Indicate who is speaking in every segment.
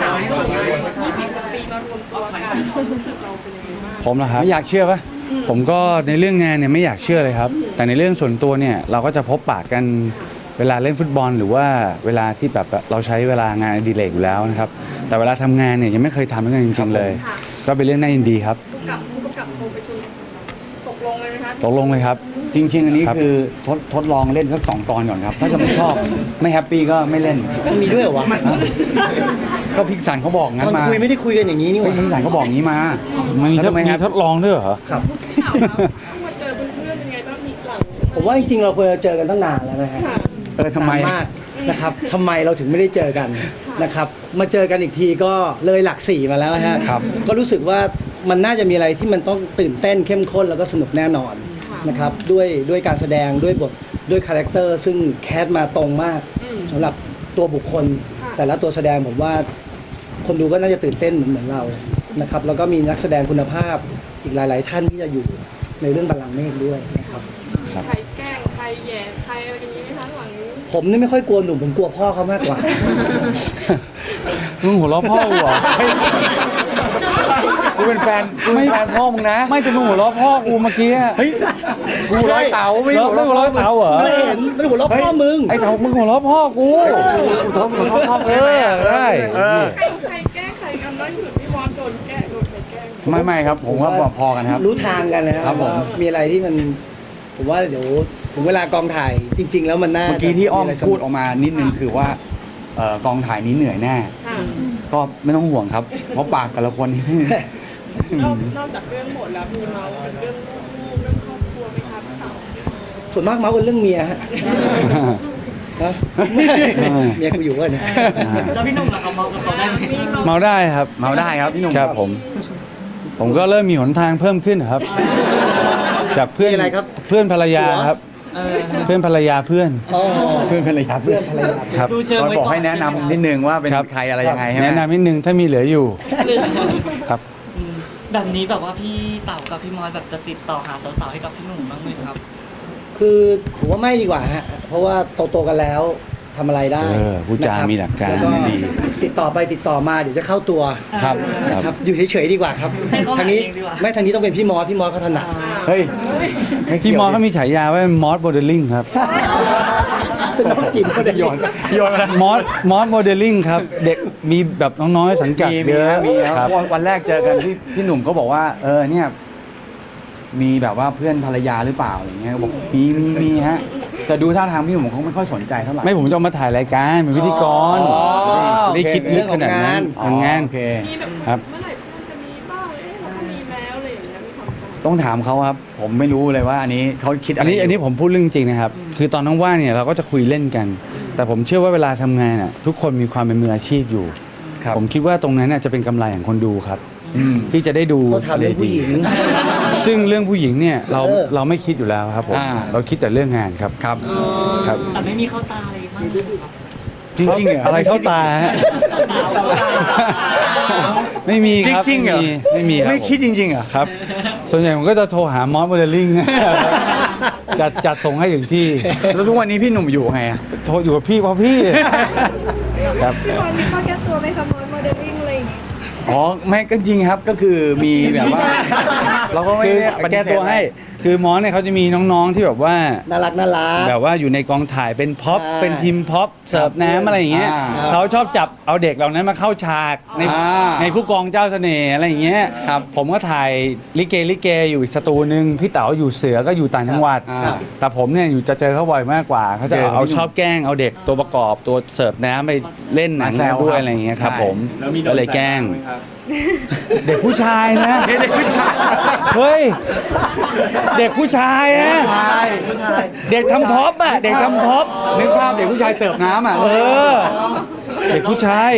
Speaker 1: 20 ปีมารวมตัวกันความรู้สึกเราเป็นยังไงบ้าง
Speaker 2: ผมเหรอครับไม่อยากเชื่อปะผมก็ในเรื่องงานเนี่ยไม่อยากเชื่อเลยครับแต่ในเรื่องส่วนตัวเนี่ยเราก็จะพบปะกันเวลาเล่นฟุตบอลหรือว่าเวลาที่แบบเราใช้เวลางานอดิเรกอยู่แล้วนะครับแต่เวลาทำงานเนี่ยยังไม่เคยทำด้วยกันจริงๆเลยก็เป็นเรื่องน่ายินดีครับ
Speaker 1: ผู้กำกับโทรไปชวนตกลงเลยไหมคะ
Speaker 2: ตกลงเลยครับ
Speaker 3: จริงๆอันนี้คือทดลองเล่นสัก2 ตอนก่อนครับถ้าจะไม่ชอบไม่แฮปปี้ก็ไม่เล่น
Speaker 4: มันมีด้วยเหรอวะ
Speaker 3: ก็พิกสันเขาบอกงั้
Speaker 4: ตอน
Speaker 3: นมา
Speaker 4: คุยไม่ได้คุยกันอย่างนี้นี่ห
Speaker 3: พิ
Speaker 4: ว่าก
Speaker 3: สันเขาบอกงี้มา
Speaker 2: มี
Speaker 3: แล้วทำไมครับ
Speaker 2: ทดลองด้วยเหรอ
Speaker 4: ครับ
Speaker 1: ข่าวแล้วมาเจอเพื่อนๆยังไงบ้างมีหลัง
Speaker 4: ผมว่าจริงๆเราควรจะเจอกันตั้งนานแล้วนะฮะ
Speaker 3: ทำไม
Speaker 4: นานมากนะครับทำไมเราถึงไม่ได้เจอกันนะครับมาเจอกันอีกทีก็เลยหลัก4มาแล้วฮะ
Speaker 3: ครับ
Speaker 4: ก็รู้สึกว่ามันน่าจะมีอะไรที่มันต้องตื่นเต้นเข้มข้นแล้วก็สนุกแน่นอนนะครับด้วยการแสดงด้วยบทด้วยคาแรคเตอร์ซึ่งแคสมาตรงมากสำหรับตัวบุคคล แต่ละตัวแสดงผมว่าคนดูก็น่าจะตื่นเต้นเหมือนเรานะครับแล้วก็มีนักแสดงคุณภาพอีกหลาย ๆ ท่านที่จะอยู่ในเรื่องบัลลังก์เมฆด้วยนะครับ
Speaker 1: ใครแกล้งใครแย่ใครอะไรอย่างนี้ไหมคะหลังนี้
Speaker 4: ผมนี่ไม่ค่อยกลัวหนุ่มผมกลัวพ่อเขามากกว่า
Speaker 2: มึงหัวเราะพ่อกูเหรอ
Speaker 3: กูเป็นแฟนพ่อมึงนะ
Speaker 2: ไม่จะมึงหัวเราะพ่อกูเมื่อกี้เฮ้ย
Speaker 3: กูร้อยเต๋าไม่
Speaker 2: หัวเราะเต๋าเหรอ
Speaker 4: ไม่เห็นไม่หัวเราะพ่อมึง
Speaker 2: ไอ้เต๋ามึงหัวเราะพ่อกู
Speaker 3: กูท้องมึงพ่อ
Speaker 2: เออได้
Speaker 1: ใครแกล้งใครกันน้อยที่สุดพี่มอสโดนแกล้งโดนใครแกล้ง
Speaker 3: ไม่ครับผมว่าพอกันครับ
Speaker 4: รู้ทางกันนะครับ
Speaker 3: ผม
Speaker 4: ว่ามีอะไรที่มันผมว่าเดี๋ยวถึงเวลากองถ่ายจริง ๆ แล้วมันน่า
Speaker 3: เมื่อกี้ที่อ้อม
Speaker 4: ะไรสนุ
Speaker 3: พูดออกมานิดนึงคือว่ากองถ่ายนี้เหนื่อยแน่
Speaker 1: ค่ะ
Speaker 3: ก็ไม่ต้องห่วงครับ เพราะปากแต่ละคนนี่
Speaker 1: นอกจากเรื่องหมดแล้วมีเมาส์เป็นเรื่องลูกเรื่องครอบครัวไหมคะพี่เต๋า
Speaker 4: ส่วนมากเมาส์กันเรื่องเมียฮะนะเมียกูอยู่กันเนี่ย
Speaker 5: แล้วพี่หนุ่มล่ะครับเมากับเขาได้ไหม
Speaker 2: เมาได้ครับ
Speaker 3: เมาได้ครับพี่หนุ่ม
Speaker 2: ครับผมก็เริ่มมีหนทางเพิ่มขึ้นครับ จากเพื่อน
Speaker 4: มีอะไรครับ
Speaker 2: เพื่อนภรรยาครับ เพื่อนภรรยาเพื่อน
Speaker 4: อ๋อ
Speaker 3: เพื่อนภรรยา
Speaker 4: เพื่อนภรรยา
Speaker 2: ครับ
Speaker 5: ดูเชิงไว้
Speaker 3: บอก
Speaker 5: ก่อน
Speaker 3: ให้แนะนำนิดนึงว่าเป็น
Speaker 2: ครับ
Speaker 3: ใครอะไรยังไงใช่ไหม
Speaker 2: แนะนำนิดนึงถ้ามีเหลืออยู่ครับ
Speaker 5: อืมแบบนี้แบบว่าพี่เต่ากับพี่มอสแบบจะติดต่อหาสาวๆให้กับพี่หนุ่มบ้างไหมครับ
Speaker 4: คือผมว่าไม่ดีกว่าฮะเพราะว่าโตๆกันแล้วทำอะไรได้
Speaker 2: พูดจา
Speaker 4: นะครับ
Speaker 2: มีหลักการ
Speaker 4: แล้วก็
Speaker 2: ดี
Speaker 4: ติดต่อไปติดต่อมาเดี๋ยวจะเข้าตัว
Speaker 3: ครับ
Speaker 4: นะครับอยู่เฉยๆดีกว่าครับ
Speaker 5: ให้เขาหา
Speaker 4: ทางนี้
Speaker 5: เองดีกว่า
Speaker 4: ไม่ทางนี้ต้องเป็นพี่มอสเขาถนัด
Speaker 2: เฮ้ยพี่มอสเขามีฉายาว่ามอสโมเดลลิ่งครับ
Speaker 4: เป็นน้องจิ๋มก็ได้
Speaker 3: โยนอะไร
Speaker 2: มอสโมเดลลิ่งครับ เด็กมีแบบน้องๆสังกัด
Speaker 3: มี
Speaker 2: เยอะ
Speaker 3: มี
Speaker 2: ค
Speaker 3: ค
Speaker 2: รั
Speaker 3: รั
Speaker 2: บบ
Speaker 3: วันแรกเจอกันพี่หนุ่มก็บอกว่าเนี่ยมีแบบว่าเพื่อนภรรยาหรือเปล่าอะไรเงี้ยบอกมีฮะแต่ดูท่าทางพี่หนุ่มเขาไม่ค่อยสนใจเท่าไหร่
Speaker 2: ไม่ผมจะเอามาถ่ายรายการเป็นพิธีกร
Speaker 3: อ๋อ
Speaker 2: ไม่ได้คิดลึกขนาดนั้น
Speaker 3: อ๋อ
Speaker 2: ทำงาน
Speaker 3: โอเค
Speaker 1: มีแบบ
Speaker 2: ครับ
Speaker 1: เมื่อไหร่เพื่อนจะมีบ้างเราก็มีแล้วอะไรอย่างเงี้ยมีความกังวล
Speaker 3: ต้องถามเขาครับ ผมไม่รู้เลยว่าอันนี้เขาคิดอะ
Speaker 2: อั
Speaker 3: ไร
Speaker 2: นนี้ผมพูดเรื่องจริงนะครับ คือตอนว่างๆเนี่ยเราก็จะคุยเล่นกัน แต่ผมเชื่อว่าเวลาทำงานอ่ะทุกคนมีความเป็นมืออาชีพอยู่
Speaker 3: ครับ
Speaker 2: ผมคิดว่าตรงนั้นน่ะจะเป็นกำไรของคนดูครับ ที่จะได้ดู
Speaker 4: เขาถามเรื่องผู้หญิง
Speaker 2: ซึ่งเรื่องผู้หญิงเนี่ยเรา
Speaker 4: เออ
Speaker 2: เราไม่คิดอยู่แล้วครับผม เราคิดแต่เรื่องงานครับ
Speaker 3: ครับ
Speaker 2: ครับ
Speaker 5: แต่ไม่มีเข้าตาอะไรบ้างครับ
Speaker 3: จริงๆเหรอ
Speaker 2: อะไรเข้าตาฮะ ไม่มีครับ
Speaker 3: จริงๆเหรอ
Speaker 2: ไม่มีครับ
Speaker 3: ไม่คิดจริงๆเหรอ
Speaker 2: ครับ ส่วนใหญ่ผมก็จะโทรหามอสโมเดลลิ่ง จัดส่งให้ถึงที่
Speaker 3: แล้วทุกวันนี้พี่หนุ่มอยู่ไงอะ
Speaker 2: โทรอยู่กับพี่เพราะพี่ ครับ
Speaker 1: พี่บอลมีข้อแก้ตัวไหมคะโมเดลลิ่งอะไรอย่างเงี้ย
Speaker 3: อ๋อไม่ก็จริงครับก็คือมีแบบว่า เราก็ไม่
Speaker 2: คือ
Speaker 3: ได้ปฏิ
Speaker 2: แก้
Speaker 3: เสธ
Speaker 2: ตัวให้ คือมอสเนี่ยเขาจะมีน้องๆที่แบบว่า
Speaker 4: น่ารัก
Speaker 2: แบบ บว่าอยู่ในกองถ่ายเป็นพ็อป
Speaker 4: ใช่
Speaker 2: เป็นทีมพ็อปเสิร์ฟน้ำอะไรอย่างเงี้ย
Speaker 3: อ่า
Speaker 2: เขาชอบจับเอาเด็กเหล่านั้นมาเข้าฉากใน
Speaker 3: อ่า
Speaker 2: ในผู้กองเจ้าเสน่ห์อะไรอย่างเงี้ย
Speaker 3: ครับ
Speaker 2: ผมก็ถ่ายลิเกอยู่อีกสตูนึงพี่เต๋าอยู่เสือก็อยู่ต่างจังหวัด
Speaker 3: อ่า
Speaker 2: แต่ผมเนี่ยอยู่จะเจอเขาบ่อยมากกว่าเขาจะ
Speaker 3: เจอ
Speaker 2: เอาชอบแกล้งเอาเด็กตัวประกอบตัวเสิร์ฟน้ำไปเล่นหนัง
Speaker 3: มาแซว
Speaker 2: ด้ว
Speaker 3: ครั
Speaker 2: ย
Speaker 3: บ
Speaker 2: อะไรอย่างเงี้ยครับ
Speaker 3: ใช่
Speaker 2: ผมก็เลยแกล้ง เด็กผู้ชายนะ
Speaker 3: เด็กผู้ชาย
Speaker 2: เฮ้ย เด็กผู้ชายนะ
Speaker 3: ใช่
Speaker 2: เด็กทำพ็อปอ่ะ เด็กทำพ็อป
Speaker 3: นึกภาพเด็กผู้ชายเสิร์ฟน้ำอ่ะ
Speaker 2: เออ เด็กผู้ชาย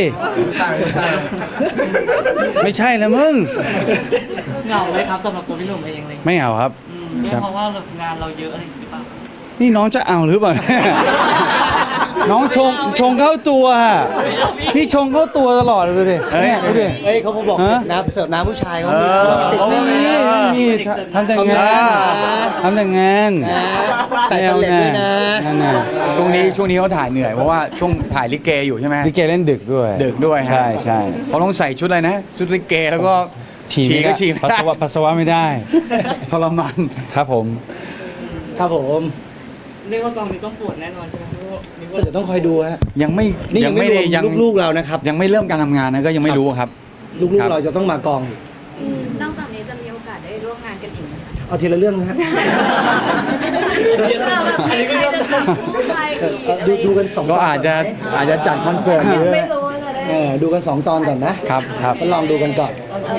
Speaker 2: ไม่ใช่แล้วมึง
Speaker 5: เหงาไหมครับสำหรับตัวพี่หนุ่มเองเลย
Speaker 2: ไม่เอาครับ
Speaker 5: เนี่ยเพราะว่าแบบงานเราเยอะอะไรอย่างเงี้ยหรือเปล่า
Speaker 2: นี่น้องจะเอาหรือเปล่าน้องชงเข้าตัวอะนี่ชงเข้าตัวตลอดเลยดูดิเนี่ยดูดิ
Speaker 4: เฮ้ยเขาบอก
Speaker 2: ฮะ
Speaker 4: น้ำเสิร์ฟน้ำผู้ชายเขามี สิทธิ์
Speaker 2: เขาไม่มีทำแต่งงานทำแต่งงาน
Speaker 4: ใส่ฟันเหล็กด้วยนะ
Speaker 2: นั่นน่ะ
Speaker 3: ช่วงนี้เขาถ่ายเหนื่อยเพราะว่าช่วงถ่ายลิเกอยู่ใช่ไหม
Speaker 2: ลิเกเล่นดึกด้วย
Speaker 3: ดึกด้วยฮะ
Speaker 2: ใช่ใช่
Speaker 3: เขาต้องใส่ชุดอะไรนะชุดลิเกแล้วก็
Speaker 2: ฉี่
Speaker 3: ฉี่ก็ฉี่
Speaker 2: ปัสสาวะไม่ได้
Speaker 3: ทรมาน
Speaker 2: ครับผม
Speaker 4: ครับผม
Speaker 5: เรียกว่ากองนี้ต้องปวดแน่นอนใช่ไหมพี่นึกว่า
Speaker 4: เดี๋ยวต้องคอยดูฮะ
Speaker 3: ยังไม่
Speaker 4: นี่ยังไม่รวมลูกๆเรานะครับ
Speaker 3: ยังไม่เริ่มการทำงานนะก็ยังไม่รู้ครับ
Speaker 4: ลูก
Speaker 3: ครับ
Speaker 4: ๆเราจะต้องมากองอีก
Speaker 6: นอกจากนี้จะมีโอกาสได้ร่วมงานกันอีกไหมคะ
Speaker 4: เอาทีละเรื่องนะฮะ
Speaker 5: อันนี้ก็เริ่ม
Speaker 6: ใคร
Speaker 4: ดูกันสองต
Speaker 3: ก็
Speaker 4: อน
Speaker 3: อาจจะจัดคอนเสิร์ต
Speaker 6: ไม่รู้ว่าจะได้
Speaker 4: ดูกัน 2 ตอนก่อนนะครับ
Speaker 2: ครับ
Speaker 4: ก็ลองดูกันก่อน